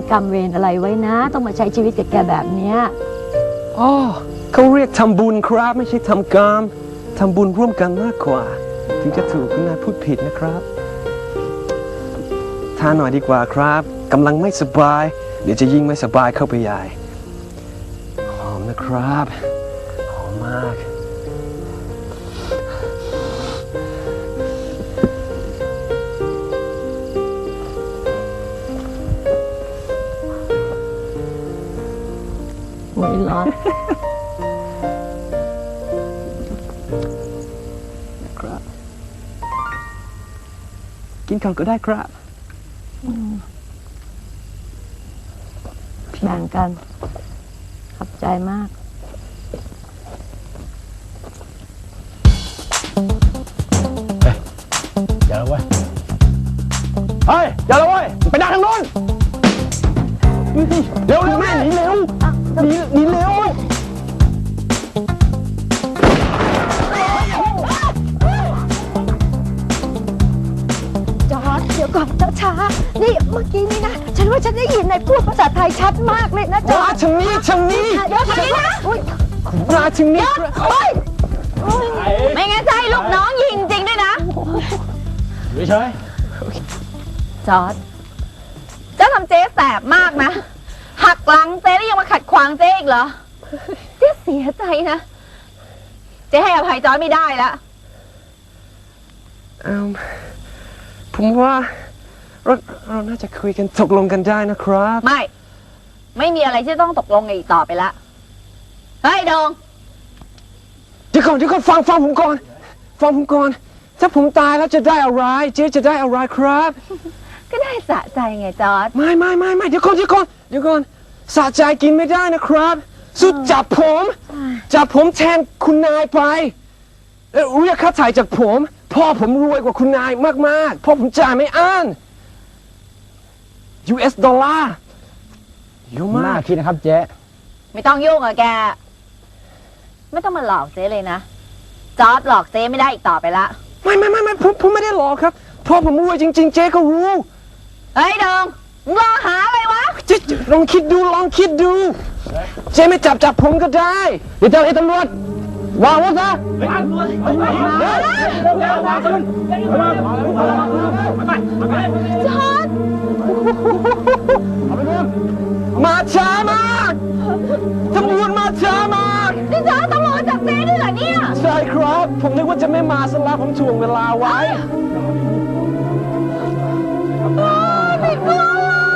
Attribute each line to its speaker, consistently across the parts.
Speaker 1: กรรมเวรอะไรไว้นะต้องมาใช้ชีวิตกับแกแบบเนี้ย
Speaker 2: อ๋อเขาเรียกทำบุญครับไม่ใช่ทำกรรมทำบุญร่วมกันมากกว่าถึงจะถูกคุณนายพูดผิดนะครับทานหน่อยดีกว่าครับกำลังไม่สบายเดี๋ยวจะยิ่งไม่สบายเข้าไปใหญ่หอมนะครับหอมมาก
Speaker 1: โอ้ยร้อน
Speaker 2: นะครับกินก่อนก็ได้ครับ
Speaker 1: แบ่งกันขอบใจมาก
Speaker 3: อย่าละเว้ยเฮ้ยอย่าละเว้ยไปดักทางโน้นเร็วเร็วแม่หนีเร็วหนีเร็ว
Speaker 1: จอร์จเดี๋ยวก่อนช้าๆนี่เมื่อกี้นี่นะฉันว่าฉันได้ยินนายพูดภาษาไทยชัดมากเลยนะจอ
Speaker 2: มา
Speaker 1: ร์จ
Speaker 2: ทางนี้ทางนี้
Speaker 1: เดี๋ยวทางนี้นะอุ๊ย
Speaker 2: มาทางนี้
Speaker 1: โอ๊ย
Speaker 4: ไม่งั้นจะให้ลูกน้องยิงจริงด้วยนะ
Speaker 3: อยู่เฉย
Speaker 4: จอร์ดเจ้าทำเจ๊แสบมากนะ หักหลังเจ๊แล้วยังมาขัดขวางเจ๊อีกเหรอ เจ๊เสียใจนะ เจ๊ให้อภัยจอร์ดไม่ได้แล้ว
Speaker 2: ผมว่าเราน่าจะคุยกันตกลงกันได้นะครับ
Speaker 4: ไม่มีอะไรที่ต้องตกลงกันอีกต่อไปละ เฮ้ยดง
Speaker 2: เดี๋ยวก่อนฟังผมก่อนถ้าผมตายแล้วจะได้อะไรเจ๊จะได้อะไรครับ
Speaker 4: ก็ได้สะใจไงจอร์ด
Speaker 2: ไม่เดี๋ยวก่อนสะใจกินไม่ได้นะครับสุดจับผมแทนคุณนายไปแล้วเรียกค่าถ่ายจากผมพ่อผมรวยกว่าคุณนายมากๆพ่อผมจ่ายไม่อั้น US ดอลลาร์เยอะ
Speaker 3: น่าม
Speaker 2: าก
Speaker 3: คิดนะครับเจ๊
Speaker 4: ไม่ต้องยุ่งกับแก ไม่ต้องมาหลอกเจ๊เลยนะ จอร์ดหลอกเจ๊ไม่ได้อีกต่อไปละ
Speaker 2: ไม่ผมไม่ได้หลอกครับพ่อผมรวยจริงๆเจ๊ก็รู้
Speaker 4: เฮ้ยดงมึงรอหาอะไรวะ
Speaker 2: เจ๊ลองคิดดูเจ๊ไม่จับผมก็ได้เดี๋ยวเจ้าหน้าที่ตำรวจวางอาวุธซะ
Speaker 4: จอร์ด
Speaker 2: มาช้ามากตำรวจมาช้ามาก
Speaker 4: นี่จอร์ดตำรวจจับเจ๊ด้วยเหรอเนี่ย
Speaker 2: ใช่ครับผมนึกว่าจะไม่มาซะแล้วผมถ่วงเวลาไว้
Speaker 4: ไม่กลัว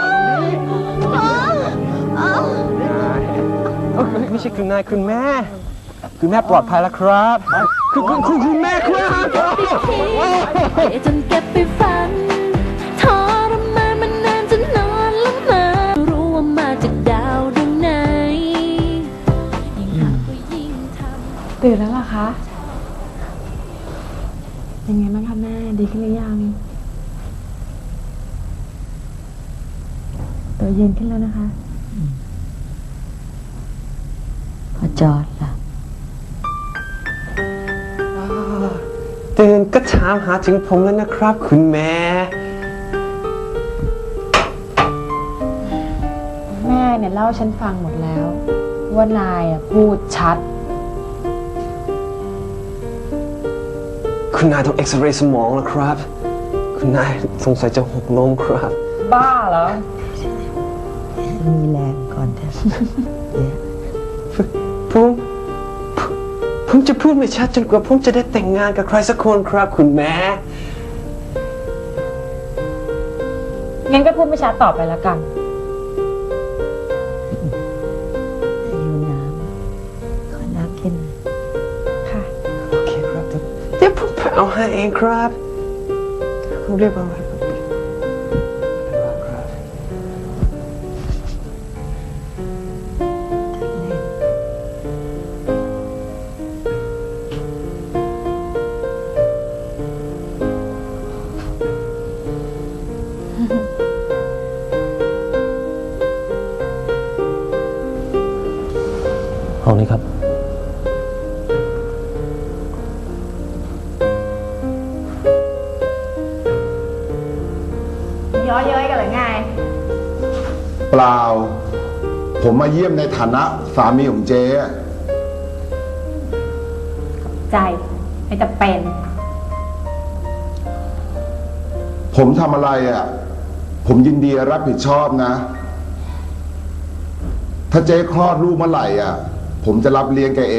Speaker 2: ไม่ใช่คุณนายคุณแม่ปลอดภัยแล้วครับคุณแม่ครับ
Speaker 5: จนเก็บไปฝันทรมานมันนานจนนอนละเมอรู้ว่ามาจากดาวดวงไหนยิ่งหาก็ยิ่งทำ
Speaker 6: ตื่นแล้วเหรอคะ ยังไงบ้างคะแม่ ดีขึ้นหรือยังตัวเย็นขึ้นแล้วนะคะ
Speaker 1: พอจอร์จล่ะ
Speaker 2: ตื่นก็ถามหาถึงผมแล้วนะครับ คุณแม่
Speaker 6: แม่เนี่ยเล่าฉันฟังหมดแล้ว ว่านายพูดชัด
Speaker 2: คุณนายต้องเอ็กซเรย์สมองแล้วครับ คุณนายสงสัยจะหกล้มครับ
Speaker 6: บ้าเหรอ
Speaker 1: มีแรงก่อนเถอะ
Speaker 2: ผมจะพูดไม่ชัดจนกว่าผมจะได้แต่งงานกับใครสักคนครับคุณแม่
Speaker 6: งั้นก็พูดไม่ชัดต่อไปแล้วกัน
Speaker 1: หิวน้ำขอน้ำกิน
Speaker 6: ค่ะ
Speaker 2: โอเคครับเดี๋ยวผมไปเอาให้เองครับเขาเรียกว่าอะไรครับ
Speaker 3: ห้องนี้ครับ
Speaker 4: ย้อเย้ยกันหรือไง
Speaker 3: ป
Speaker 7: เปล่า ผมมาเยี่ยมในฐานะสามีของเจ๊อะ
Speaker 6: ใจไม่จะเป็น
Speaker 7: ผมทำอะไรอ่ะ ผมยินดีรับผิดชอบนะ ถ้าเจ๊คลอดลูกเมื่อไหร่อ่ะ ผมจะรับเลี้ยงแกเอง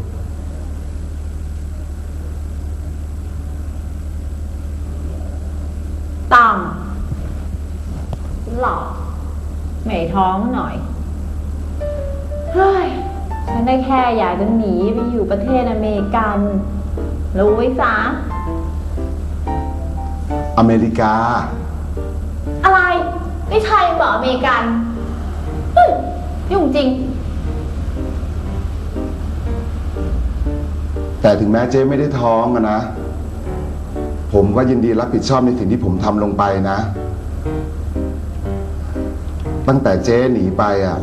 Speaker 6: ต่ำหลอกไม่ท้องหน่อย เฮ้ย ฉันได้แค่อยากจะหนีไปอยู่ประเทศอเมริกัน รู้ไว้ซะ
Speaker 7: อเมริกา
Speaker 6: อะไร ไม่ใช่บอกอเมริกันยุ่งจริง
Speaker 7: แต่ถึงแม้เจ๊ไม่ได้ท้องอะนะ ผมก็ยินดีรับผิดชอบในสิ่งที่ผมทำลงไปนะ ตั้งแต่เจ๊หนีไปอ่ะ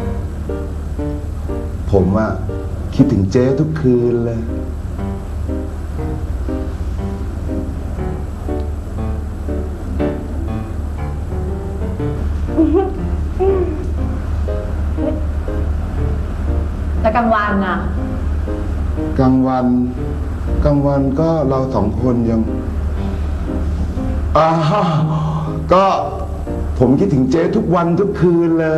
Speaker 7: ผมอะคิดถึงเจ๊ทุกคืนเลย
Speaker 6: แต่กลางวันน่ะ
Speaker 7: กลางวันก็เราสองคนยังก็ผมคิดถึงเจ๊ทุกวันทุกคืนเลย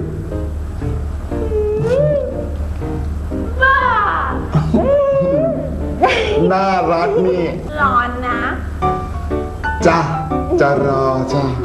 Speaker 7: น่ารักนี่
Speaker 6: ร้อนนะ
Speaker 7: จ้ะจะรอจ้ะ